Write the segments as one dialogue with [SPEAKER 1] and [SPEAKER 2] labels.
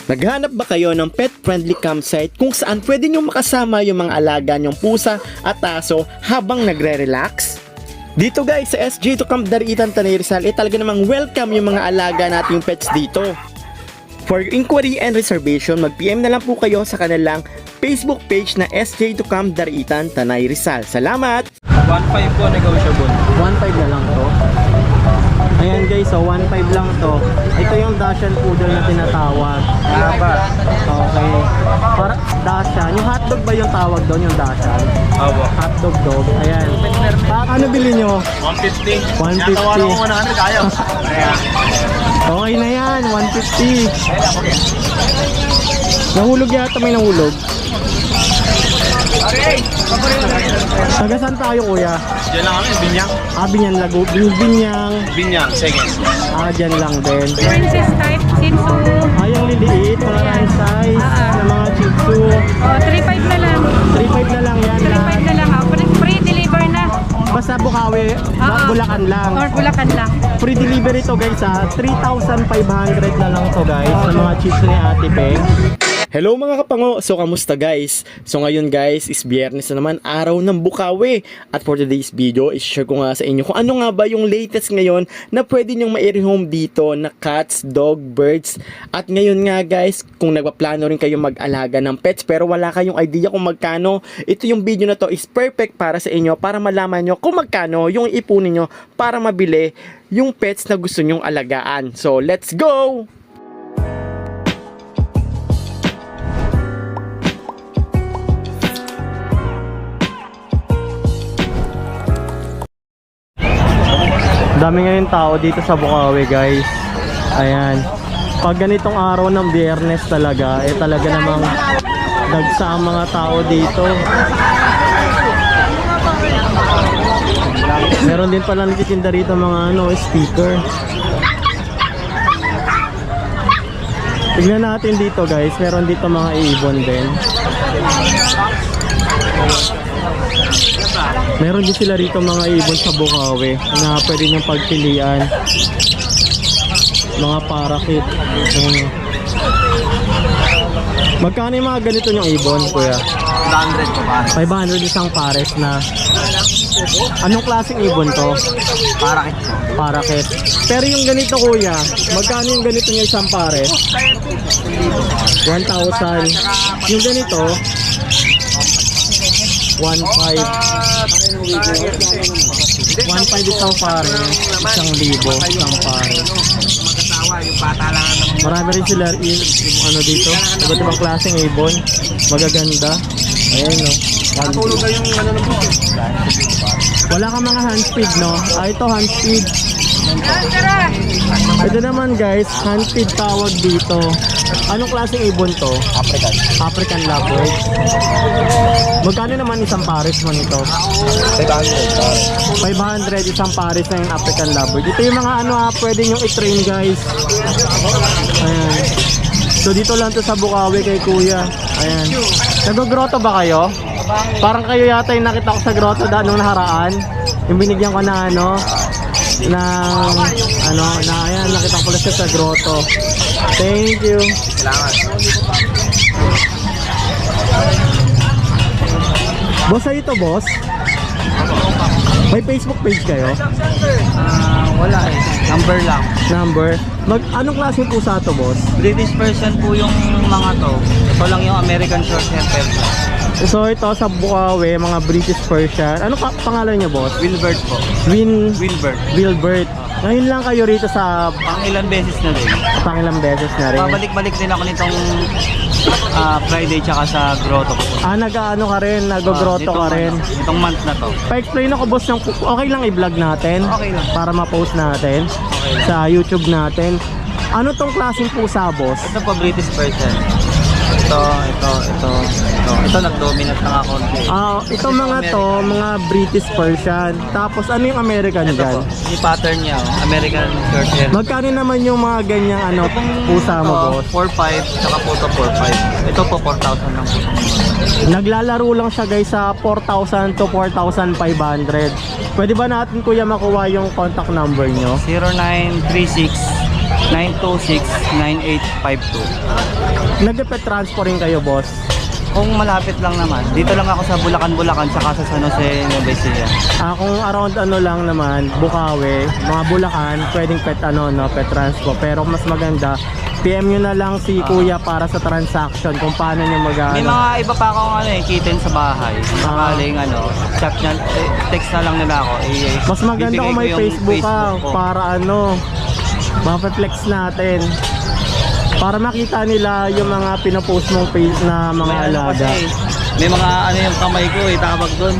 [SPEAKER 1] Naghanap ba kayo ng pet-friendly campsite kung saan pwede nyo makasama yung mga alaga nyong pusa at aso habang nagre-relax? Dito guys, sa SJ to Camp Dariitan, Tanay Rizal, talaga namang welcome yung mga alaga nating pets dito. For inquiry and reservation, mag-PM na lang po kayo sa kanilang Facebook page na SJ to Camp Dariitan, Tanay Rizal. Salamat!
[SPEAKER 2] 1.5 po negotiable.
[SPEAKER 1] 1.5 na lang to. Ayan guys, so 1.5 lang to. Ito yung Dachshund Poodle na tinatawag.
[SPEAKER 2] Haba.
[SPEAKER 1] Okay. Para Dachshund. Yung hotdog ba yung tawag doon, yung Dachshund?
[SPEAKER 2] Opo.
[SPEAKER 1] Hotdog dog. Ayan. Ano bili nyo?
[SPEAKER 2] 150.
[SPEAKER 1] 150.
[SPEAKER 2] Natawaran ko 100, ayaw.
[SPEAKER 1] Okay na yan, 150. Nahulog yata, may nahulog. Taga saan tayo kuya?
[SPEAKER 2] Diyan lang kami, Binyang.
[SPEAKER 1] Binyan Lago, Binyang.
[SPEAKER 2] Binyang, seconds.
[SPEAKER 1] Dyan lang din.
[SPEAKER 3] Princess type, Shih Tzu.
[SPEAKER 1] Yung liliit, mga run size, na mga Shih Tzu.
[SPEAKER 3] 3.5 na lang.
[SPEAKER 1] 3.5 na lang yan.
[SPEAKER 3] 3.5 na lang. Free-deliver na.
[SPEAKER 1] Basta Bukawi, Bulacan lang.
[SPEAKER 3] Or Bulacan lang.
[SPEAKER 1] Free delivery to guys 3,500 na lang to guys sa mga chips ni Ate Peng. Hello mga kapango! So kamusta guys? So ngayon guys is Biyernes na naman, araw ng Bukawi. At for today's video, i-share ko nga sa inyo kung ano nga ba yung latest ngayon na pwede nyong ma-rehome dito na cats, dog, birds. At ngayon nga guys, kung nagpaplano rin kayo mag-alaga ng pets pero wala kayong idea kung magkano, ito yung video na to is perfect para sa inyo para malaman nyo kung magkano yung ipunin nyo para mabili yung pets na gusto nyong alagaan. So let's go! Dami ngayon tao dito sa Bukawi guys. Ayan. Pag ganitong araw ng Biyernes talaga, talaga namang dagsa ang mga tao dito. Meron din pala nagtitinda rito mga sticker. Tignan natin dito guys, meron dito mga ibon din. Meron din sila rito mga ibon sa Bukawi na pwede niyong pagpilian. Mga parakeet. Magkano yung mga ganito yung ibon, kuya?
[SPEAKER 2] 500 po pare.
[SPEAKER 1] 500 isang pares na. Anong klaseng ibon to?
[SPEAKER 2] Parakit po.
[SPEAKER 1] Parakeet. Pero yung ganito kuya, magkano yung ganito niya isang pares? 1,000. Yung ganito, 1.5 isang pare, 1,000 isang pare.
[SPEAKER 2] Yung bata lang naman.
[SPEAKER 1] Marami rin sila dito, iba't ibang klaseng ibon, magaganda. Ayan no.
[SPEAKER 2] Natulog na yung ng buto.
[SPEAKER 1] Wala kang mga hand feed no? Ito hand feed. Ito naman guys, hand feed tawag dito. Anong klaseng ibon to?
[SPEAKER 2] African.
[SPEAKER 1] African lovebird. Magkano naman isang pares mo nito? 500 isang pares na yung African lovebird. Ito yung mga pwede nyo i-train guys. Ayan. So dito lang to sa Bukawi kay kuya. Ayan. Nag-grotto ba kayo? Parang kayo yata yung nakita ko sa grotto nung naharaan. Yung binigyan ko na ayan, nakita ko pala siya sa grotto. Thank you.
[SPEAKER 2] Salamat.
[SPEAKER 1] Boss, ito boss? May Facebook page kayo?
[SPEAKER 2] Wala eh. Number lang.
[SPEAKER 1] Number? Anong klase pusa to boss?
[SPEAKER 2] British Persian po yung mga to. Ito lang yung American Shorthair Persian.
[SPEAKER 1] So ito sa Bukawi, mga British Persian. Ano pangalan niyo boss?
[SPEAKER 2] Wilbert po. Wilbert.
[SPEAKER 1] Wilbert. Ngayon lang kayo rito sa
[SPEAKER 2] Pang ilang beses na rin.
[SPEAKER 1] pangilang beses na rin.
[SPEAKER 2] Babalik-balik din ako nitong Friday tsaka sa grotto ko.
[SPEAKER 1] Nag-ano ka rin, nag-grotto ka rin.
[SPEAKER 2] Itong month na to.
[SPEAKER 1] Pa-explain ako boss ng okay lang i-vlog natin
[SPEAKER 2] Okay lang.
[SPEAKER 1] para ma-post natin sa YouTube natin. Ano tong klaseng pusa boss?
[SPEAKER 2] Ito po British Persian. Ito. Ito nag-dominate na nga konti.
[SPEAKER 1] Itong mga to, mga British Persian. Tapos ano yung American
[SPEAKER 2] Ito
[SPEAKER 1] dyan?
[SPEAKER 2] po, yung pattern niya, American Shorthair.
[SPEAKER 1] Magkano naman yung mga ganyang pusa mo boss?
[SPEAKER 2] 4.5, tsaka po ito 4.5. Ito po 4,000 lang po.
[SPEAKER 1] Naglalaro lang siya guys sa 4,000 to 4,500. Pwede ba natin kuya makuha yung contact number nyo?
[SPEAKER 2] 0936 926-9852.
[SPEAKER 1] Nag-pet transfer rin kayo, boss?
[SPEAKER 2] Kung malapit lang naman, dito lang ako sa Bulacan, saka sa San Jose, Nueva Ecija.
[SPEAKER 1] Kung around ano lang naman, Bukawi, mga Bulacan, pwedeng pet pet transpo. Pero mas maganda, PM nyo na lang si Kuya para sa transaction kung paano nyo
[SPEAKER 2] May
[SPEAKER 1] mag-ano.
[SPEAKER 2] mga iba pa akong kitten sa bahay. Sakaling chat niya, text na lang nila ako.
[SPEAKER 1] Mas maganda
[SPEAKER 2] bibigay
[SPEAKER 1] kung
[SPEAKER 2] ko
[SPEAKER 1] may
[SPEAKER 2] yung
[SPEAKER 1] Facebook ka
[SPEAKER 2] ko.
[SPEAKER 1] para mapeflex natin. Para makita nila yung mga pinopost mong page na mga
[SPEAKER 2] May
[SPEAKER 1] alaga.
[SPEAKER 2] may mga yung kamay ko tawag doon.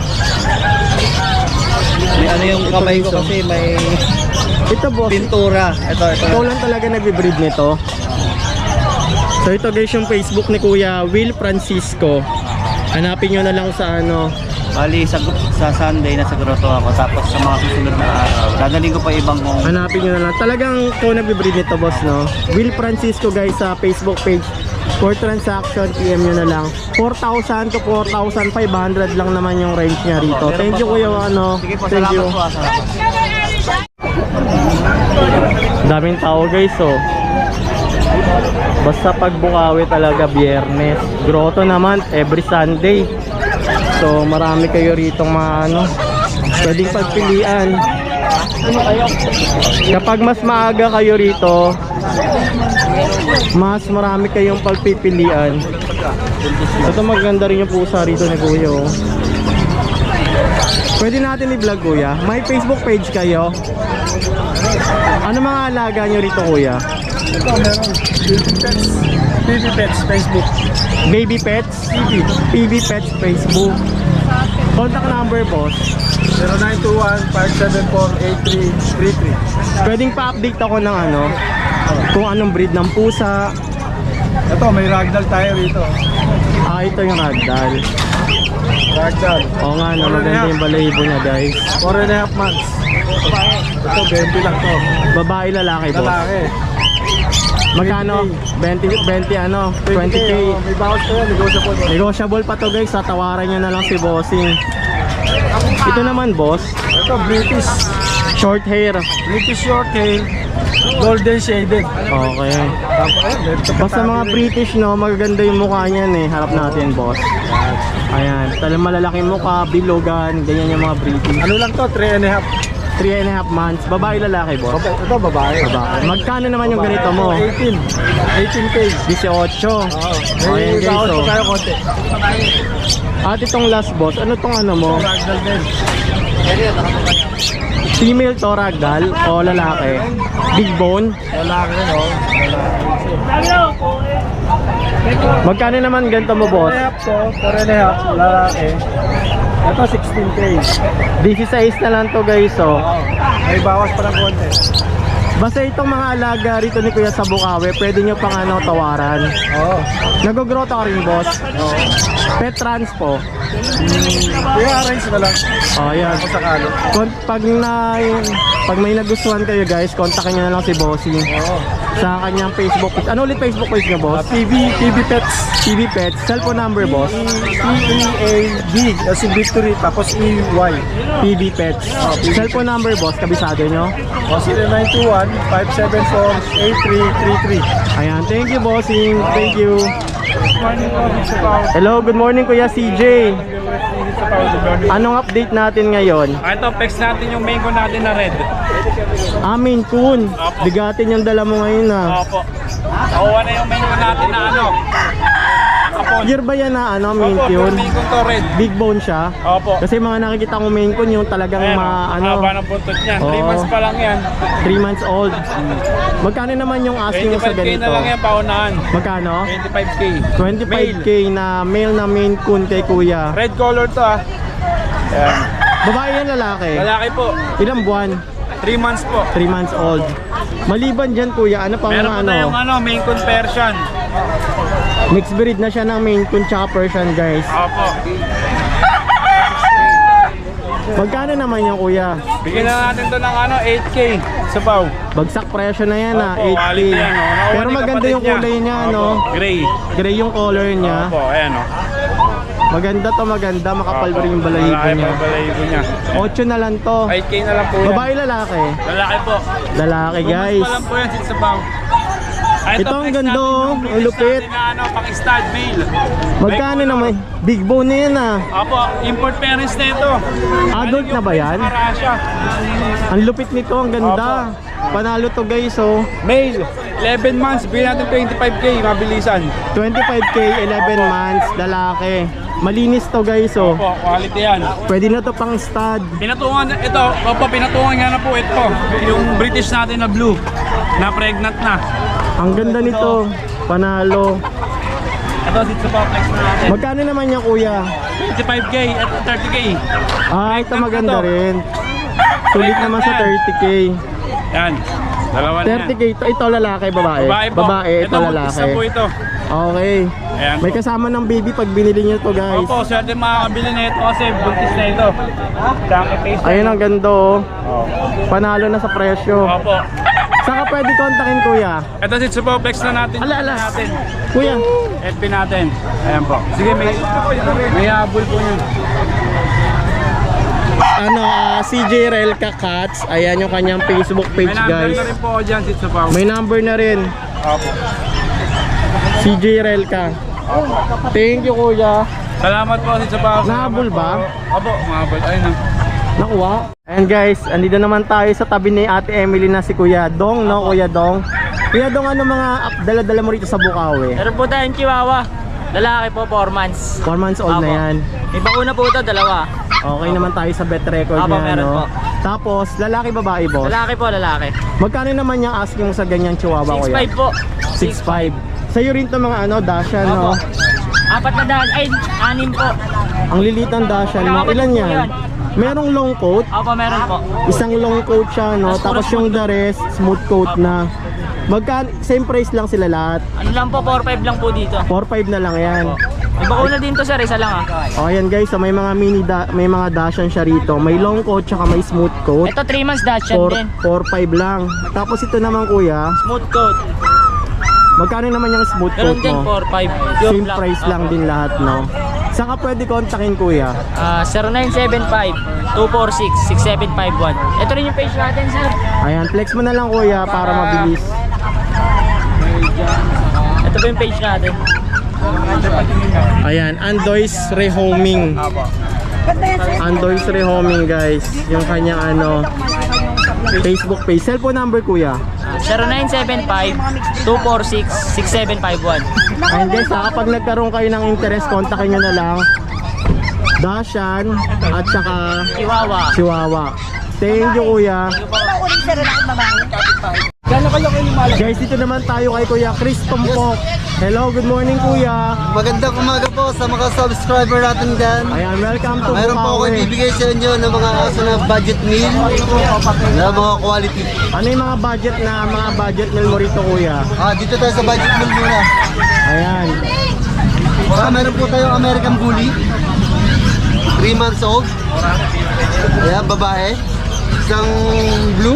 [SPEAKER 2] May yung
[SPEAKER 1] Ito,
[SPEAKER 2] kamay ko
[SPEAKER 1] guys,
[SPEAKER 2] kasi may
[SPEAKER 1] Ito, boss,
[SPEAKER 2] pintura. Ito.
[SPEAKER 1] ikaw lang talaga nagbe-breed nito. So ito guys yung Facebook ni Kuya Will Francisco. Hanapin nyo na lang sa
[SPEAKER 2] Bali, sa Sunday nasa grotto ako. Tapos sa mga susunod na araw, dadaling ko pa ibang kong
[SPEAKER 1] hanapin nyo na lang. Talagang ikaw nagbe-breed nito, boss, no? Will Francisco guys sa Facebook page. For transaction, PM nyo na lang. 4,000 to 4,500 lang naman yung range niya rito.
[SPEAKER 2] Meron
[SPEAKER 1] Thank
[SPEAKER 2] pa
[SPEAKER 1] you,
[SPEAKER 2] po.
[SPEAKER 1] Kuya,
[SPEAKER 2] Sige po,
[SPEAKER 1] Thank you.
[SPEAKER 2] salamat po. Salamat.
[SPEAKER 1] Daming tao guys, basta pag Bukawi talaga Biyernes. Grotto naman every Sunday. So marami kayo rito mga pwedeng pagpilian. Kapag mas maaga kayo rito, mas marami kayong pagpipilian. Ito maganda rin yung pusa rito ni Kuya. Pwede natin i-vlog, Kuya. May Facebook page kayo. Ano mga alaga nyo rito, Kuya?
[SPEAKER 4] Ito, meron. PB Pets, Facebook.
[SPEAKER 1] Baby Pets? PB Pets Facebook. Contact number, boss.
[SPEAKER 4] 0921-574-8333.
[SPEAKER 1] Pwedeng pa-update ako ng kung anong breed ng pusa.
[SPEAKER 4] Ito, may ragdoll tayo rito.
[SPEAKER 1] Ito yung ragdoll.
[SPEAKER 4] Ragdoll.
[SPEAKER 1] Oo nga, maganda yung balahibo niya, guys.
[SPEAKER 4] 4.5 months. Ito, 20 lang to.
[SPEAKER 1] Babae, lalaki, boss.
[SPEAKER 4] Lalaki.
[SPEAKER 1] Magkano? 20, 20K.
[SPEAKER 4] May bawas ko yan, negotiable.
[SPEAKER 1] Negotiable pa to, guys. Tatawaran nyo na lang si bossing. Ito naman, boss.
[SPEAKER 4] Ito, British.
[SPEAKER 1] Short hair.
[SPEAKER 4] British short hair. Golden shaded.
[SPEAKER 1] Okay.
[SPEAKER 4] Tapos,
[SPEAKER 1] Basta mga British, magaganda yung mukha niyan eh. Harap natin, boss. Ayan, talagang malalaking mukha, bilogan, ganyan yung mga British.
[SPEAKER 4] Ano lang to, 3.5.
[SPEAKER 1] 3.5 months. Babae, lalaki, boss.
[SPEAKER 4] Ito, babae.
[SPEAKER 1] Babae. Magkano naman yung ganito mo?
[SPEAKER 4] 18. 18K.
[SPEAKER 1] 18.
[SPEAKER 4] Oo.
[SPEAKER 1] Ayan,
[SPEAKER 4] May
[SPEAKER 1] guys,
[SPEAKER 4] bawas
[SPEAKER 1] oh.
[SPEAKER 4] ko tayo konti.
[SPEAKER 1] At itong last, boss, ano tong mo?
[SPEAKER 4] Ragdoll din.
[SPEAKER 1] Female to, ragdoll o lalaki? Big bone?
[SPEAKER 4] Lalaki rin, oh.
[SPEAKER 1] Magkano naman ganito mo, boss?
[SPEAKER 4] 4.5 lalaki. Ito 16K.
[SPEAKER 1] 16 na lang to, guys, oh.
[SPEAKER 4] May bawas pa ng konti.
[SPEAKER 1] Basta itong mga alaga rito ni Kuya sa Bukawi, pwede nyo pang tawaran.
[SPEAKER 4] Oo.
[SPEAKER 1] Nag-grotto ka rin, boss? Pet transpo.
[SPEAKER 4] I-arrange na lang.
[SPEAKER 1] Ayan.
[SPEAKER 4] Kung sakali.
[SPEAKER 1] Pag may nagustuhan kayo, guys, kontakin nyo na lang si Bossing
[SPEAKER 4] Oo.
[SPEAKER 1] sa kanyang Facebook page. Ano ulit Facebook page nyo, boss?
[SPEAKER 4] PB Pets.
[SPEAKER 1] TV Pets. Cellphone number, boss?
[SPEAKER 4] P-E-A-D. As in victory. Tapos E-Y.
[SPEAKER 1] PB Pets. Cellphone number, boss? Kabisado nyo?
[SPEAKER 4] O 0921-574-8333.
[SPEAKER 1] Ayan. Thank you, Bossing. Thank you. Hello, good morning, Kuya CJ. Anong update natin ngayon?
[SPEAKER 5] Ito, pex natin yung mango natin na red.
[SPEAKER 1] Maine Coon. Bigatin yung dala mo ngayon,
[SPEAKER 5] Opo. Nakuha na yung mango natin na kapon.
[SPEAKER 1] Year ba yan na Maine
[SPEAKER 5] Opo,
[SPEAKER 1] Coon?
[SPEAKER 5] yung mango to red.
[SPEAKER 1] Big bone siya.
[SPEAKER 5] Opo.
[SPEAKER 1] Kasi mga nakikita kong Maine Coon yung talagang
[SPEAKER 5] Ayan, haba ng buntot niya. 3
[SPEAKER 1] Oo.
[SPEAKER 5] months pa lang yan.
[SPEAKER 1] 3 months old. Magkano naman yung asking mo sa
[SPEAKER 5] 25k
[SPEAKER 1] ganito?
[SPEAKER 5] na lang yan, paunahan.
[SPEAKER 1] Magkano?
[SPEAKER 5] 25k.
[SPEAKER 1] 25k na male na Maine Coon kay Kuya.
[SPEAKER 5] Red color to Ayan.
[SPEAKER 1] Babae yan, lalaki?
[SPEAKER 5] Lalaki po.
[SPEAKER 1] Ilang buwan?
[SPEAKER 5] 3 months po.
[SPEAKER 1] 3 months old. Maliban dyan, Kuya, ano pang
[SPEAKER 5] Meron po tayong main coon Persian.
[SPEAKER 1] Mixed breed na siya ng Maine Coon tsaka Persian, guys.
[SPEAKER 5] Opo.
[SPEAKER 1] Magkano naman yung, Kuya?
[SPEAKER 5] Bigyan na natin to ng 8k sa pau.
[SPEAKER 1] Bagsak presyo na yan,
[SPEAKER 5] Opo,
[SPEAKER 1] 8K.
[SPEAKER 5] quality yan, Nakuha
[SPEAKER 1] Pero
[SPEAKER 5] ni
[SPEAKER 1] maganda
[SPEAKER 5] kapatid
[SPEAKER 1] yung kulay niya,
[SPEAKER 5] Opo, Gray.
[SPEAKER 1] Gray yung color niya.
[SPEAKER 5] Opo, ayan
[SPEAKER 1] Maganda to, maganda. Makapal pa rin yung balahibo
[SPEAKER 5] Malaki
[SPEAKER 1] niya.
[SPEAKER 5] pa yung balahibo niya.
[SPEAKER 1] 8 na lang to.
[SPEAKER 5] 8k na lang po yan.
[SPEAKER 1] Babae, lalaki?
[SPEAKER 5] Lalaki po.
[SPEAKER 1] Lalaki,
[SPEAKER 5] 2 months
[SPEAKER 1] guys.
[SPEAKER 5] pa lang po yan sa pau.
[SPEAKER 1] Ito ang
[SPEAKER 5] flex
[SPEAKER 1] ganda,
[SPEAKER 5] natin
[SPEAKER 1] oh.
[SPEAKER 5] yung
[SPEAKER 1] Ang
[SPEAKER 5] British
[SPEAKER 1] lupit.
[SPEAKER 5] natin na ano, pang-stud male.
[SPEAKER 1] Magkano naman? Big bone na yan ah.
[SPEAKER 5] Opo, import parents na ito.
[SPEAKER 1] Adult na ba yan?
[SPEAKER 5] Marasya.
[SPEAKER 1] Ang lupit nito, ang ganda. Panalo to guys, oh.
[SPEAKER 5] Male, 11 months, bigyan natin 25k, mabilisan.
[SPEAKER 1] 25k, 11 months, lalaki. Malinis to guys, oh.
[SPEAKER 5] Opo, quality yan.
[SPEAKER 1] Pwede na to pang stud.
[SPEAKER 5] Pinatungan, ito, opo, pinatungan nga na po ito. Yung British natin na blue, na pregnant na.
[SPEAKER 1] Ang ganda nito. Panalo.
[SPEAKER 5] Ito, sit sa flex na natin.
[SPEAKER 1] Magkano naman niya kuya?
[SPEAKER 5] 25k at 30k.
[SPEAKER 1] Ah, ito maganda rin. Sulit naman sa 30k.
[SPEAKER 5] Yan, dalawa na yan.
[SPEAKER 1] 30k, ito lalaki, babae?
[SPEAKER 5] Babae po.
[SPEAKER 1] Babae, ito
[SPEAKER 5] buntis
[SPEAKER 1] lalaki.
[SPEAKER 5] na po ito.
[SPEAKER 1] Okay.
[SPEAKER 5] Ayan
[SPEAKER 1] May
[SPEAKER 5] po.
[SPEAKER 1] kasama ng baby pag binili niyo to guys.
[SPEAKER 5] Opo, swerte makakabili na ito kasi buntis na ito. Chunky face na
[SPEAKER 1] Ayun
[SPEAKER 5] ito.
[SPEAKER 1] ang ganda, oh. Panalo na sa presyo.
[SPEAKER 5] Opo.
[SPEAKER 1] Saka pwede kontakin kuya.
[SPEAKER 5] Ito si Superflex na natin.
[SPEAKER 1] Ala, ala.
[SPEAKER 5] Natin.
[SPEAKER 1] Kuya.
[SPEAKER 5] FB natin. Ayan po. Sige, may habol po nyo.
[SPEAKER 1] Ano, CJ Relka Cats. Ayan yung kanyang Facebook page
[SPEAKER 5] May number
[SPEAKER 1] guys.
[SPEAKER 5] na rin po ako dyan, si Superflex.
[SPEAKER 1] May number na rin.
[SPEAKER 5] Opo.
[SPEAKER 1] CJ Relka. Thank you kuya.
[SPEAKER 5] Salamat po si Superflex.
[SPEAKER 1] Nahabol ba?
[SPEAKER 5] Opo, mahabol. Ayun na.
[SPEAKER 1] Nakuha. And guys, andito naman tayo sa tabi ni Ate Emily na si Kuya Dong, no? Kuya Dong. Kuya Dong, ano mga dala-dala mo rito sa Bukawi?
[SPEAKER 2] Meron po tayong chihuahua. Lalaki po, 4 months.
[SPEAKER 1] 4 months old na
[SPEAKER 2] Apo.
[SPEAKER 1] yan.
[SPEAKER 2] May bakuna po ito, dalawa.
[SPEAKER 1] Okay naman tayo sa bet record
[SPEAKER 2] Apo,
[SPEAKER 1] niya,
[SPEAKER 2] meron
[SPEAKER 1] no?
[SPEAKER 2] po.
[SPEAKER 1] Tapos, lalaki babae, boss?
[SPEAKER 2] Lalaki po, lalaki.
[SPEAKER 1] Magkano naman yung asking mo sa ganyang chihuahua, kuya?
[SPEAKER 2] 6'5 po.
[SPEAKER 1] 6'5". Sa'yo rin to mga ano, Dashan, no?
[SPEAKER 2] Opo. 4 na daan, ay, 6 po.
[SPEAKER 1] Ang lilit ng Dashan mo.
[SPEAKER 2] Nakakapatid
[SPEAKER 1] Ilan
[SPEAKER 2] po
[SPEAKER 1] yan?
[SPEAKER 2] yan.
[SPEAKER 1] Merong long coat.
[SPEAKER 2] Opo, meron po.
[SPEAKER 1] Isang long coat siya, no? Tapos yung the rest, smooth coat na. Same price lang sila lahat.
[SPEAKER 2] Ano lang po, 4'5 lang po dito.
[SPEAKER 1] 4'5 na lang yan.
[SPEAKER 2] May bakuna din to, sir, isa lang ah.
[SPEAKER 1] O ayan guys, so may mga may mga Dashan siya rito. May long coat tsaka may smooth coat.
[SPEAKER 2] Ito 3 months Dachshund din.
[SPEAKER 1] 4'5 lang. Tapos ito naman kuya,
[SPEAKER 2] Smooth coat.
[SPEAKER 1] magkano naman yung smooth
[SPEAKER 2] Ganun
[SPEAKER 1] coat
[SPEAKER 2] din,
[SPEAKER 1] mo?
[SPEAKER 2] 4'5.
[SPEAKER 1] Same price lang din lahat, no? Saan ka pwede kontakin kuya?
[SPEAKER 2] 0975-246-6751. Ito rin yung page natin, sir.
[SPEAKER 1] Ayan, flex mo na lang kuya para mabilis.
[SPEAKER 2] Ito po yung page natin.
[SPEAKER 1] Ayan, Andoy's Rehoming. Andoy's Rehoming guys. Yung kanyang ano, Facebook page. Cellphone number kuya.
[SPEAKER 2] 0975-246-6751.
[SPEAKER 1] Ayan guys, kapag nagkaroon kayo ng interest, kontakin nyo na lang Dashan at saka
[SPEAKER 2] Chihuahua.
[SPEAKER 1] Chihuahua. Thank you kuya. Guys, dito naman tayo kay Kuya Chris Tumpok. Hello, good morning kuya.
[SPEAKER 6] Magandang umaga po sa mga subscriber natin dyan.
[SPEAKER 1] Ayan, welcome to
[SPEAKER 6] Mayroon po ako
[SPEAKER 1] Bukawi.
[SPEAKER 6] ibibigay sa inyo ng mga aso na budget meal na mga quality.
[SPEAKER 1] Ano yung mga budget meal mo rito kuya?
[SPEAKER 6] Dito tayo sa budget meal muna.
[SPEAKER 1] Ayan.
[SPEAKER 6] Meron po tayong American Bully. 3 months old. Ayan, babae. Isang blue.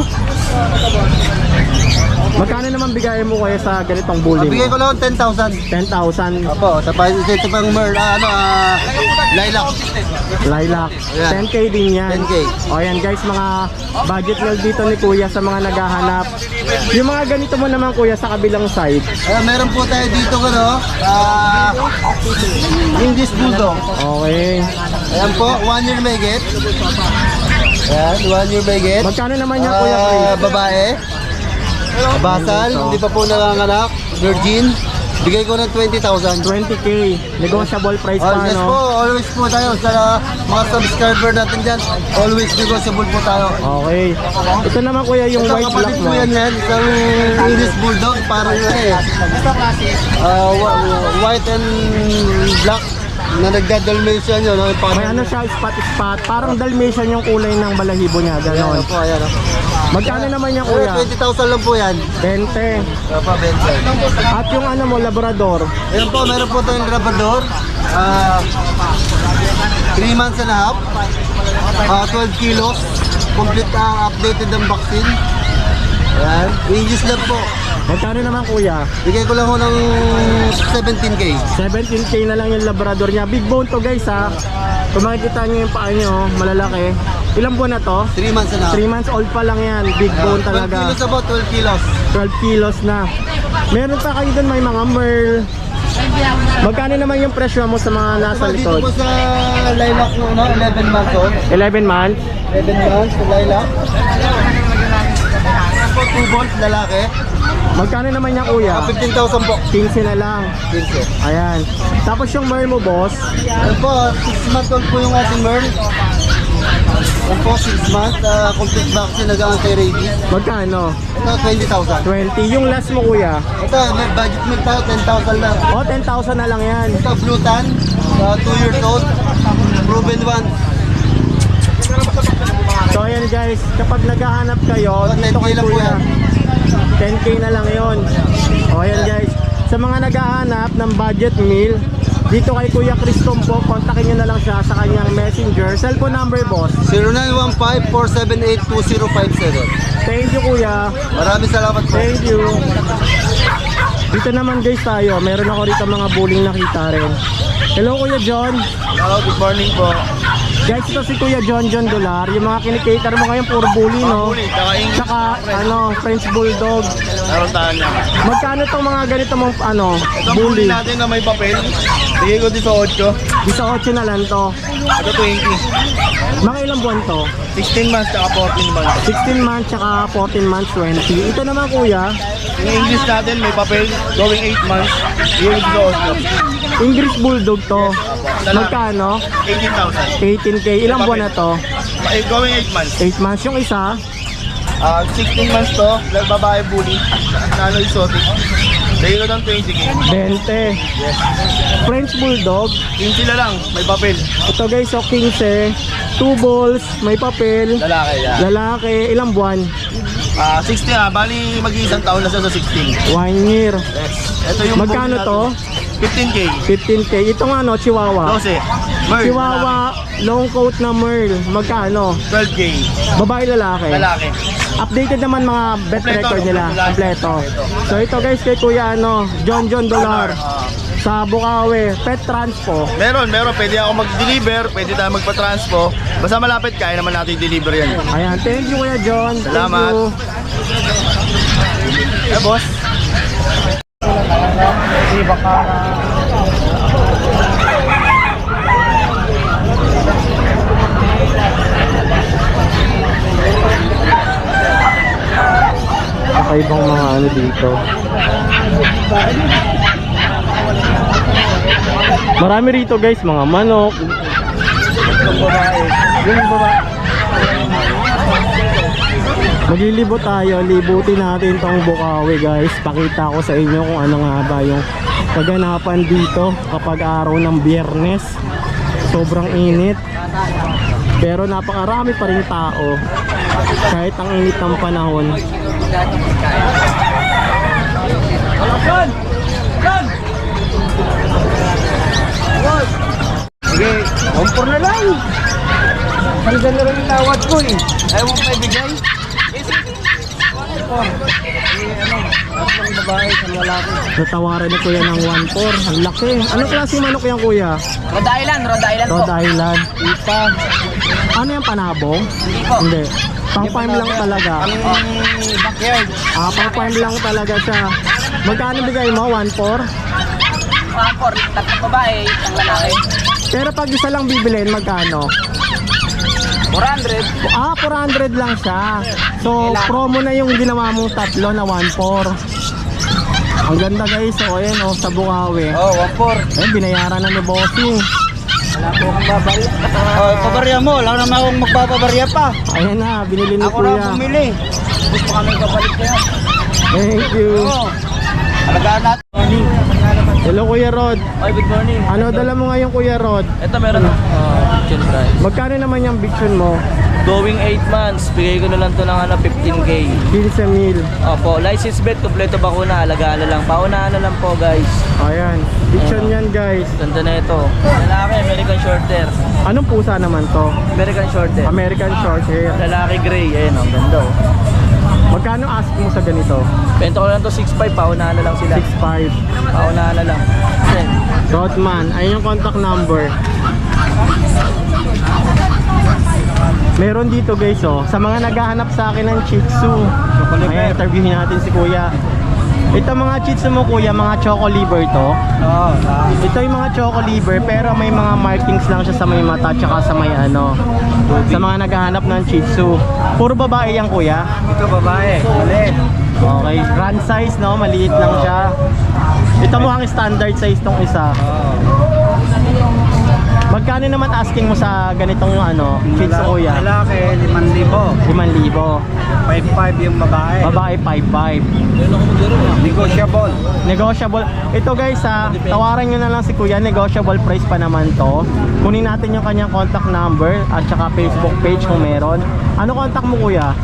[SPEAKER 1] Magkano naman bigayan mo kuya sa ganitong bully
[SPEAKER 6] Bigay ko
[SPEAKER 1] mo?
[SPEAKER 6] lang 10,000.
[SPEAKER 1] 10,000
[SPEAKER 6] Opo, tapos ito pang lilac.
[SPEAKER 1] lilac.
[SPEAKER 6] Ayan.
[SPEAKER 1] 10k din yan.
[SPEAKER 6] 10K.
[SPEAKER 1] O yan guys, mga budget meal dito ni kuya sa mga naghahanap. Yung mga ganito mo naman kuya sa kabilang side.
[SPEAKER 6] Meron po tayo dito English Bulldog.
[SPEAKER 1] Okay.
[SPEAKER 6] Ayan po, 1 year may get. Ayan, 1 year may get.
[SPEAKER 1] Magkano naman niya kuya Chris?
[SPEAKER 6] Babae. Basal, hindi pa po nanganganak. Virgin. Bigay ko ng 20,000.
[SPEAKER 1] 20k. Negotiable price pa,
[SPEAKER 6] Yes po,
[SPEAKER 1] no?
[SPEAKER 6] always po tayo sa mga subscriber natin dyan. Always negotiable po tayo.
[SPEAKER 1] Okay. Ito naman kuya yung
[SPEAKER 6] Isang
[SPEAKER 1] white black
[SPEAKER 6] kapatid
[SPEAKER 1] mo.
[SPEAKER 6] po yan, isang English Bulldog, parang white and black na nagda-Dalmatian yun.
[SPEAKER 1] May ano siya, spot. Parang Dalmatian yung kulay ng balahibo niya.
[SPEAKER 6] Ayan
[SPEAKER 1] Ganon.
[SPEAKER 6] po, ayan.
[SPEAKER 1] Magkano naman yan kuya?
[SPEAKER 6] 20,000 lang po yan.
[SPEAKER 1] 20.
[SPEAKER 6] Opo, Benson.
[SPEAKER 1] At yung ano mo, Labrador.
[SPEAKER 6] Ayan po, meron po tayong Labrador. 3 months and a half. 12 kilos. Complete updated ang vaccine. Ayan. English lang po.
[SPEAKER 1] Magkano naman kuya?
[SPEAKER 6] Bigay ko lang ho ng 17K.
[SPEAKER 1] 17K na lang yung Labrador niya. Big bone to guys ha. Kung makikita nyo yung paa nyo, malalaki. Ilang buwan na to?
[SPEAKER 6] 3 months na.
[SPEAKER 1] 3 months old pa lang yan. Big bone
[SPEAKER 6] 12
[SPEAKER 1] talaga.
[SPEAKER 6] kilos about 12 kilos.
[SPEAKER 1] 12 kilos na. Meron pa kayo dun may mga merl. Magkano naman yung presyo mo sa mga nasa
[SPEAKER 6] Dito
[SPEAKER 1] likod?
[SPEAKER 6] po sa lilac mo, no? 11 months old.
[SPEAKER 1] 11 months?
[SPEAKER 6] 11 months sa lilac. 2 balls lalaki.
[SPEAKER 1] Magkano naman yung kuya?
[SPEAKER 6] 15,000 po.
[SPEAKER 1] 15 na lang.
[SPEAKER 6] 15.
[SPEAKER 1] Ayan. Tapos yung merl mo boss,
[SPEAKER 6] Ano po, 6 months old po yung ating merl. Ano po, 6 months. Complete vaccine, nag-anti-rabies.
[SPEAKER 1] magkano?
[SPEAKER 6] Ito, 20,000.
[SPEAKER 1] 20. Yung last mo kuya?
[SPEAKER 6] Ito, may budget meal tayo, 10,000 lang.
[SPEAKER 1] O, 10,000 na lang yan.
[SPEAKER 6] Ito, Blue Tan, 2 years old. Proven one.
[SPEAKER 1] So ayan guys, kapag naghahanap kayo,
[SPEAKER 6] Oh,
[SPEAKER 1] dito
[SPEAKER 6] 10K
[SPEAKER 1] kay
[SPEAKER 6] lang po
[SPEAKER 1] kuya.
[SPEAKER 6] yan.
[SPEAKER 1] 10K na lang yon. O ayan guys, sa mga naghahanap ng budget meal, dito kay Kuya Cristom po, kontakin nyo na lang siya sa kanyang messenger. Cellphone number boss.
[SPEAKER 6] 0915-478-2057.
[SPEAKER 1] Thank you kuya.
[SPEAKER 6] Maraming salamat po.
[SPEAKER 1] Thank you. Dito naman guys tayo, meron ako rito mga bulling nakita rin. Hello Kuya John.
[SPEAKER 6] Hello, good morning po.
[SPEAKER 1] Guys, ito si Kuya John Dolar. Yung mga kinikater mo ngayon, puro bully, no? Tsaka, French Bulldog.
[SPEAKER 6] Meron tayo niya.
[SPEAKER 1] Magkano tong mga ganito mong,
[SPEAKER 6] Itong
[SPEAKER 1] bully?
[SPEAKER 6] huli natin na may papel. Bigay ko dito 8.
[SPEAKER 1] 18 na lang to.
[SPEAKER 6] Ito 20.
[SPEAKER 1] Mga ilang buwan to?
[SPEAKER 6] 16 months tsaka 14 months.
[SPEAKER 1] 16 months tsaka 14 months, 20. Ito naman kuya,
[SPEAKER 6] Yung English natin may papel. Going 8 months. Bigay ko dito 8.
[SPEAKER 1] English Bulldog to. Magkano?
[SPEAKER 6] 18,000.
[SPEAKER 1] 18K. Ilang buwan na to?
[SPEAKER 6] Going 8 months.
[SPEAKER 1] 8 months. Yung isa,
[SPEAKER 6] 16 months to. Babae bully. Nano exotic. Bigay ko ng 20K.
[SPEAKER 1] 20. French Bulldog.
[SPEAKER 6] 15 na lang. May papel.
[SPEAKER 1] Ito guys, so 15. 2 balls, may papel.
[SPEAKER 6] Lalaki yan.
[SPEAKER 1] Lalaki, ilang buwan?
[SPEAKER 6] 16 bali mag-iisang taon na siya sa 16.
[SPEAKER 1] 1 year.
[SPEAKER 6] Yes. Ito yung
[SPEAKER 1] Magkano
[SPEAKER 6] bully
[SPEAKER 1] to?
[SPEAKER 6] natin. 15K.
[SPEAKER 1] 15K. Ito nga no, Chihuahua.
[SPEAKER 6] 12. Merl.
[SPEAKER 1] Chihuahua, long coat na Merl. Magkano?
[SPEAKER 6] 12K.
[SPEAKER 1] Babae lalaki?
[SPEAKER 6] Lalaki.
[SPEAKER 1] Updated naman mga bet
[SPEAKER 6] Kompleto,
[SPEAKER 1] record nila.
[SPEAKER 6] kompleto.
[SPEAKER 1] Kompleto. So ito guys kay Kuya John Dolar sa Bukawi, pet transpo.
[SPEAKER 6] Meron. Pwede ako mag-deliver. Pwede tayo magpa-transpo. Basta malapit, kaya naman natin i-deliver yan.
[SPEAKER 1] Ayan, thank you Kuya John.
[SPEAKER 6] Salamat.
[SPEAKER 1] Thank you.
[SPEAKER 6] Boss.
[SPEAKER 1] Kakaibang mga ano dito. Marami rito guys, mga manok. Maglilibot tayo, libutin natin tong Bukawi guys. Pakita ko sa inyo kung ano nga ba yung kaganapan dito kapag araw ng Biyernes. Sobrang init. Pero napakarami pa rin tao kahit ang init ng panahon.
[SPEAKER 6] Sige, kompor na lang. Hanggang na rin yung tawad ko eh. Ayaw mo pa ibigay? Tatlong babae, isang lalaki.
[SPEAKER 1] Natawaran ni kuya ng 1.4. Ang laki. Anong klase manok yan kuya?
[SPEAKER 2] Rhode Island po.
[SPEAKER 1] Rhode Island. Ipa. Ano yung panabong? Hindi. Pang farm lang talaga.
[SPEAKER 6] Backyard.
[SPEAKER 1] Pang farm lang talaga siya. Magkano bigay mo? 1.4?
[SPEAKER 2] 1-4, tatlong babae, isang lalaki.
[SPEAKER 1] Pero pag isa lang bibilhin, magkano?
[SPEAKER 2] 400.
[SPEAKER 1] 400 lang siya. So, promo na yung ginawa mong tatlo na 1.4. Ang ganda guys. So, ayan sa Bukawi.
[SPEAKER 6] Oh, 1-4.
[SPEAKER 1] Eh, binayaran na ni Bossing.
[SPEAKER 6] Wala po akong babarya. Pabarya mo. Wala naman akong magpapabarya pa.
[SPEAKER 1] Ayan na, binili ni
[SPEAKER 6] Ako na
[SPEAKER 1] kuya.
[SPEAKER 6] bumili. Gusto kami kapalit kaya.
[SPEAKER 1] Thank you.
[SPEAKER 6] Alagaan natin.
[SPEAKER 1] Hello Kuya Rod.
[SPEAKER 2] Oy, good morning.
[SPEAKER 1] Ano dala mo ngayon Kuya Rod?
[SPEAKER 2] Ito meron chicken price.
[SPEAKER 1] Magkano naman yung bichon mo?
[SPEAKER 2] Going 8 months, bigay ko na lang to ng 15K.
[SPEAKER 1] 15 mil.
[SPEAKER 2] Opo, license bet, kompleto bakuna, alagaan na lang. Paunahan na lang po guys.
[SPEAKER 1] Ayan. Bichon yan guys.
[SPEAKER 2] Ganda na ito. Lalaki, American Shorter.
[SPEAKER 1] Anong pusa naman to?
[SPEAKER 2] American Shorter.
[SPEAKER 1] American short hair.
[SPEAKER 2] Lalaki gray, ayun, ang ganda oh.
[SPEAKER 1] Magkano ask mo sa ganito?
[SPEAKER 2] Bento ko lang to 6.5, paunahan na lang sila.
[SPEAKER 1] 6.5.
[SPEAKER 2] Paunahan na lang. Yan.
[SPEAKER 1] Rodman, ayun yung contact number. Meron dito guys oh, sa mga naghahanap sa akin ng Shih Tzu. Ayan, interviewin natin si Kuya. Ito mga Shih Tzu mo Kuya, mga choco liver to.
[SPEAKER 2] Oo.
[SPEAKER 1] Ito yung mga choco liver pero may mga markings lang siya sa may mata tsaka sa may ano. Sa mga naghahanap ng Shih Tzu. Puro babae yan Kuya.
[SPEAKER 2] Ito babae. Ulit.
[SPEAKER 1] Okay, run size no, maliit lang siya. Ito mo ang standard size tong isa. Magkano naman asking mo sa ganitong ano, Shih Tzu Kuya?
[SPEAKER 2] Lalaki, 5,000.
[SPEAKER 1] 5,000.
[SPEAKER 2] 5.5 yung babae.
[SPEAKER 1] Babae 5,500.
[SPEAKER 2] Negotiable.
[SPEAKER 1] Negotiable. Ito guys ha, tawaran nyo na lang si Kuya, negotiable price pa naman to. Kunin natin yung kanyang contact number at saka Facebook page kung meron. Ano contact mo Kuya?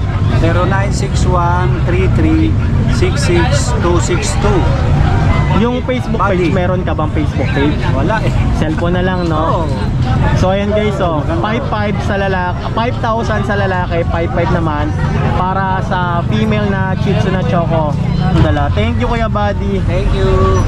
[SPEAKER 2] 0961-33-66262.
[SPEAKER 1] Yung Facebook page,
[SPEAKER 2] Bali.
[SPEAKER 1] meron ka bang Facebook page?
[SPEAKER 2] Wala eh.
[SPEAKER 1] Cellphone na lang no? So ayan guys oh, 5,500 sa lalaki, 5,000 sa lalaki, 5,500 naman para sa female na Shih Tzu na choco. Dala. Thank you Kuya Buddy.
[SPEAKER 2] Thank you.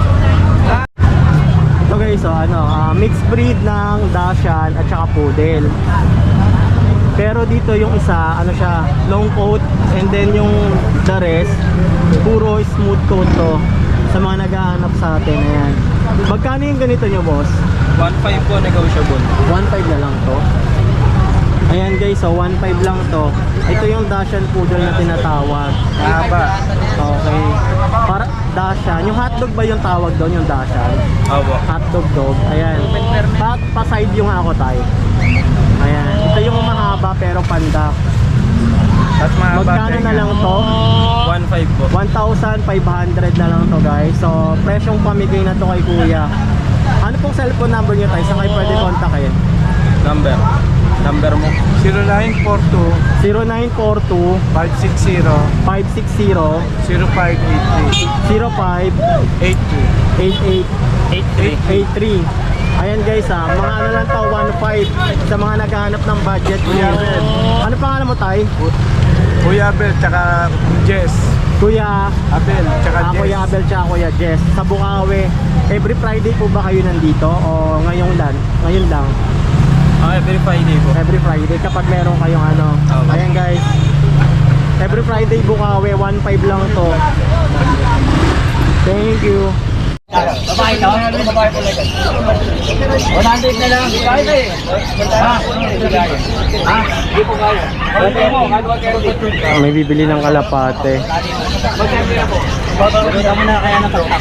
[SPEAKER 1] Ito guys oh, ano, mixed breed ng Dachshund at saka Poodle. Pero dito yung isa, ano siya, long coat and then yung the rest, puro smooth coat to. Sa mga naghahanap sa atin, ayan. Magkano yung ganito nyo boss?
[SPEAKER 2] 1.5 po negotiable.
[SPEAKER 1] 1,500 na lang to. Ayan guys, so 1,500 lang to. Ito yung Dachshund Poodle na tinatawag.
[SPEAKER 2] Haba.
[SPEAKER 1] Okay. Para Dachshund, yung hotdog ba yung tawag doon, yung Dachshund?
[SPEAKER 2] Opo.
[SPEAKER 1] Hotdog dog. Ayan. Pa-side yung ako tayo. Ayan. Ito yung mahaba pero pandak.
[SPEAKER 2] At
[SPEAKER 1] Magkano na lang to?
[SPEAKER 2] 1.5 po.
[SPEAKER 1] 1,500 na lang to guys. So, presyong pamigay na to kay Kuya. Ano pong cellphone number nyo tayo? Saan kayo pwede kontakin?
[SPEAKER 2] Number mo.
[SPEAKER 1] 0942
[SPEAKER 2] 0942
[SPEAKER 1] 560
[SPEAKER 2] 560 0583
[SPEAKER 1] 0582
[SPEAKER 2] 88
[SPEAKER 1] 83. Ayan guys ha, mga ano lang to, 1,500 sa mga naghahanap ng budget meal. Ano pangalan mo tay?
[SPEAKER 2] Kuya Abel tsaka Jess.
[SPEAKER 1] Kuya
[SPEAKER 2] Abel tsaka Jess.
[SPEAKER 1] Kuya Abel tsaka Kuya Jess sa Bukawi. Every Friday po ba kayo nandito o ngayon lang? Ngayon lang.
[SPEAKER 2] Every Friday po.
[SPEAKER 1] Every Friday kapag meron kayong ano.
[SPEAKER 2] Okay.
[SPEAKER 1] Ayan guys. Every Friday Bukawi, 1,500 lang to. Thank you.
[SPEAKER 2] Babae no? Babae po lang. 100 na lang. Kaya eh. Ha? Hindi po kaya.
[SPEAKER 1] May bibili ng kalapate.
[SPEAKER 2] Magkano mo na kaya ng truck?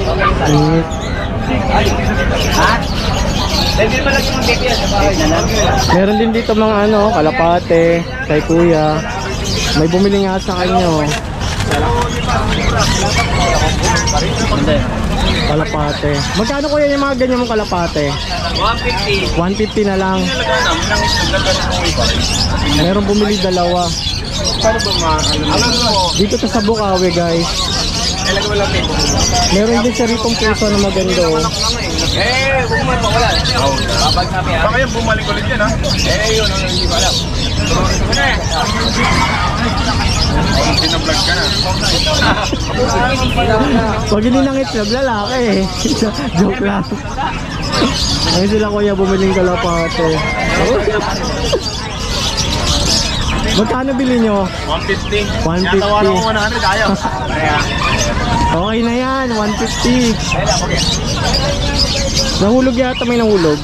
[SPEAKER 2] Ha? Dahil mo lang yung baby sa bahay na lang.
[SPEAKER 1] Meron din dito mga ano, kalapate kay Kuya. May bumili nga sa kanya.
[SPEAKER 2] Hindi.
[SPEAKER 1] Kalapate. Magkano Kuya yung mga ganyan mong kalapate?
[SPEAKER 2] 150.
[SPEAKER 1] 150 na lang. Meron bumili dalawa.
[SPEAKER 2] Paano ba alam mo?
[SPEAKER 1] Dito to sa Bukawi guys.
[SPEAKER 2] Kailan mo lang ito?
[SPEAKER 1] Meron din siya ritong puso na maganda.
[SPEAKER 2] Huwag mo mawala. Babag sabi ha. Baka yung bumalik ulit yan ha? Yun ang hindi ko alam. Pinablog ka na.
[SPEAKER 1] Pag hindi nang itlog, lalaki eh. Joke lang. Ngayon sila Kuya bumiling kalapate. Magkano bili nyo?
[SPEAKER 2] 150.
[SPEAKER 1] 150.
[SPEAKER 2] Tawaran ko 100 ayaw.
[SPEAKER 1] Okay na yan, 150. Nahulog yata, may nahulog.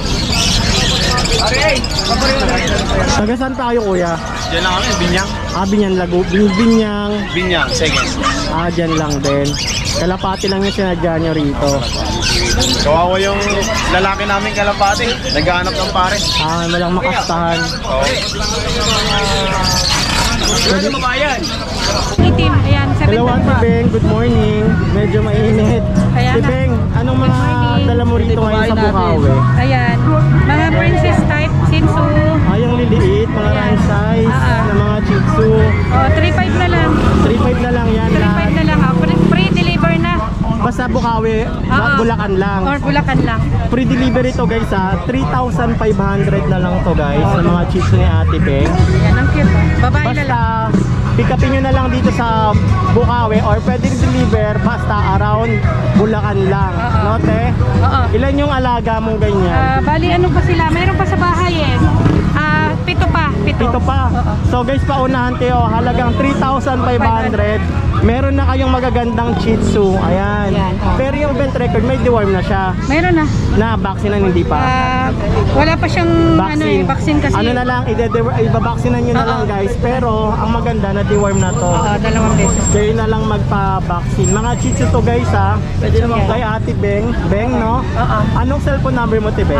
[SPEAKER 1] Taga saan tayo Kuya?
[SPEAKER 2] Diyan lang kami, Binyang.
[SPEAKER 1] Binyan Lago, Binyang.
[SPEAKER 2] Binyang, seconds.
[SPEAKER 1] Dyan lang din. Kalapati lang yung sinadya nyo rito.
[SPEAKER 2] Kawawa yung lalaki namin kalapati. Naghahanap ng pare.
[SPEAKER 1] Walang makastahan.
[SPEAKER 2] Pwede mabayan.
[SPEAKER 3] Itim, ayan,
[SPEAKER 1] Hello
[SPEAKER 3] 7
[SPEAKER 1] Ate Beng, good morning. Medyo mainit.
[SPEAKER 3] Kaya
[SPEAKER 1] Ate
[SPEAKER 3] na.
[SPEAKER 1] Beng, anong mga
[SPEAKER 3] morning.
[SPEAKER 1] dala mo rito ngayon sa Bukawi?
[SPEAKER 3] Ayan, mga princess type, Shih Tzu.
[SPEAKER 1] Yung liliit, mga
[SPEAKER 3] Ayan.
[SPEAKER 1] run size, na mga Shih Tzu.
[SPEAKER 3] 3,500 na lang.
[SPEAKER 1] 3,500 na lang yan.
[SPEAKER 3] 3,500 na lang. Pre-deliver na.
[SPEAKER 1] Basta Bukawi, Bulacan lang.
[SPEAKER 3] Or Bulacan lang.
[SPEAKER 1] Free delivery to guys ha. 3,500 na lang to guys sa mga Shih Tzu ni Ate Beng.
[SPEAKER 3] Ayan, ang cute. Babae na lang.
[SPEAKER 1] Basta pick upin nyo na lang dito sa Bukawi or pwede deliver basta around Bulacan lang. No, te?
[SPEAKER 3] Oo.
[SPEAKER 1] Ilan yung alaga mong ganyan?
[SPEAKER 3] Bali, ano pa sila? Mayroon pa sa bahay eh. Pito pa.
[SPEAKER 1] Ito pa. So guys, paunahan tayo. Halagang 3,500. Meron na kayong magagandang Shih Tzu. Ayan.
[SPEAKER 3] Yan.
[SPEAKER 1] Pero yung vent record, may deworm na siya.
[SPEAKER 3] Mayroon na.
[SPEAKER 1] Na vaccine hindi pa.
[SPEAKER 3] Wala pa siyang vaccine kasi.
[SPEAKER 1] Ano na lang, ibabacksinan nyo na lang guys. Pero ang maganda na deworm na to.
[SPEAKER 3] 2 beses.
[SPEAKER 1] Kayo na lang magpa-vaccine. Mga Shih Tzu to guys ha. Pwede naman kay Ate Beng. Beng, no? Anong cellphone number mo, Te Beng?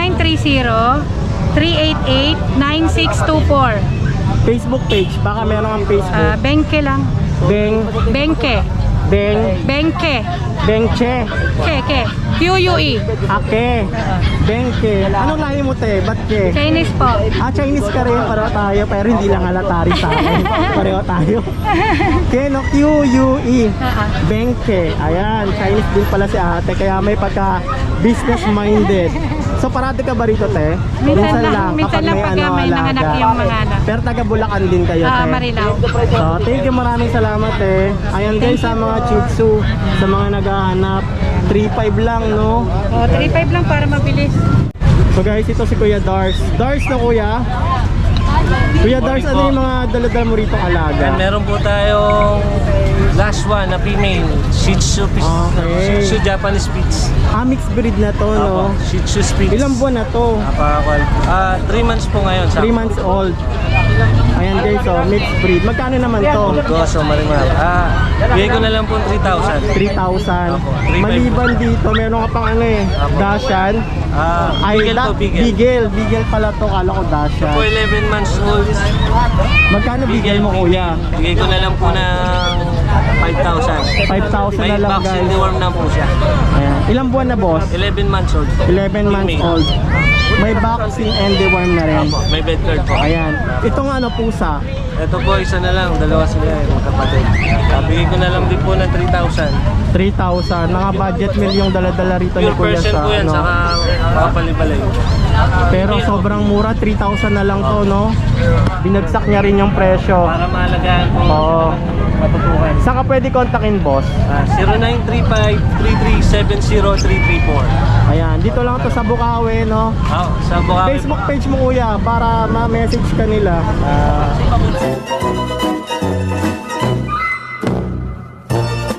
[SPEAKER 3] 0930-388-9624.
[SPEAKER 1] Facebook page. Baka meron ang Facebook.
[SPEAKER 3] Bengke lang.
[SPEAKER 1] Beng.
[SPEAKER 3] Bengke.
[SPEAKER 1] Beng.
[SPEAKER 3] Bengke.
[SPEAKER 1] Bengche.
[SPEAKER 3] Ke. QUE.
[SPEAKER 1] Ake. Bengke. Anong lahi mo, Te? Ba't ke?
[SPEAKER 3] Chinese po.
[SPEAKER 1] Chinese ka rin. Pareho tayo. Pero hindi lang halata rin sa akin. Pareho tayo. Ke, no? QUE. Bengke. Ayan. Chinese din pala si ate. Kaya may pagka business minded. So parati ka ba rito, Te?
[SPEAKER 3] Minsan lang pag may nanganak yung mga anak.
[SPEAKER 1] Pero taga Bulacan din kayo, Te.
[SPEAKER 3] Marilao.
[SPEAKER 1] So, thank you, maraming salamat, Te. Ayan guys, sa mga Shih Tzu, sa mga naghahanap, 3,500 lang, no?
[SPEAKER 3] 3.5 lang para mabilis.
[SPEAKER 1] So guys, ito si Kuya Dars. Dars na Kuya. Kuya Dars, ano yung mga dala-dala mo rito alaga?
[SPEAKER 7] And meron po tayong last one na female, Shih Tzu,
[SPEAKER 1] Okay.
[SPEAKER 7] Shih Tzu Japanese Spitz.
[SPEAKER 1] Mixed breed na to, no?
[SPEAKER 7] Shih Tzu Spitz.
[SPEAKER 1] Ilang buwan na to?
[SPEAKER 7] 3 months po ngayon.
[SPEAKER 1] 3 months old. Ayan guys, oh, mixed breed. Magkano naman to?
[SPEAKER 7] Goso, marimar. Bigay ko na lang po 3,000.
[SPEAKER 1] 3,000.
[SPEAKER 7] Opo, 3,500.
[SPEAKER 1] Maliban dito, meron ka pang ano eh, Dashan.
[SPEAKER 7] Bigel po, bigel.
[SPEAKER 1] Bigel pala to, kala ko Dashan.
[SPEAKER 7] Po 11 months old.
[SPEAKER 1] Magkano bigel mo kuya?
[SPEAKER 7] Bigay ko na lang po ng 5,000.
[SPEAKER 1] 5,000
[SPEAKER 7] May
[SPEAKER 1] na lang
[SPEAKER 7] vaccine
[SPEAKER 1] guys.
[SPEAKER 7] deworm na po siya.
[SPEAKER 1] Ayan. Ilang buwan na boss?
[SPEAKER 7] 11 months old.
[SPEAKER 1] 11 months
[SPEAKER 7] Female.
[SPEAKER 1] old. May vaccine and deworm na rin.
[SPEAKER 7] Opo, may bed card po.
[SPEAKER 1] Ayan. Itong ano pusa.
[SPEAKER 7] Ito po, isa na lang. Dalawa sila magkapatid. Bigay ko na lang din po ng 3,000.
[SPEAKER 1] 3,000. Mga budget meal yung dala-dala rito ni
[SPEAKER 7] Pure
[SPEAKER 1] kuya
[SPEAKER 7] person
[SPEAKER 1] sa
[SPEAKER 7] po yan,
[SPEAKER 1] ano.
[SPEAKER 7] saka makapalibalay.
[SPEAKER 1] Pero sobrang mura, 3,000 na lang to, no? Binagsak niya rin yung presyo.
[SPEAKER 7] Para maalagaan po.
[SPEAKER 1] Oo.
[SPEAKER 7] Matutukan.
[SPEAKER 1] Saan ka pwede kontakin, boss?
[SPEAKER 7] 0935-337-334.
[SPEAKER 1] Ayan, dito lang to sa Bukawi, no?
[SPEAKER 7] Sa Bukawi.
[SPEAKER 1] Facebook page mo kuya para ma-message ka nila.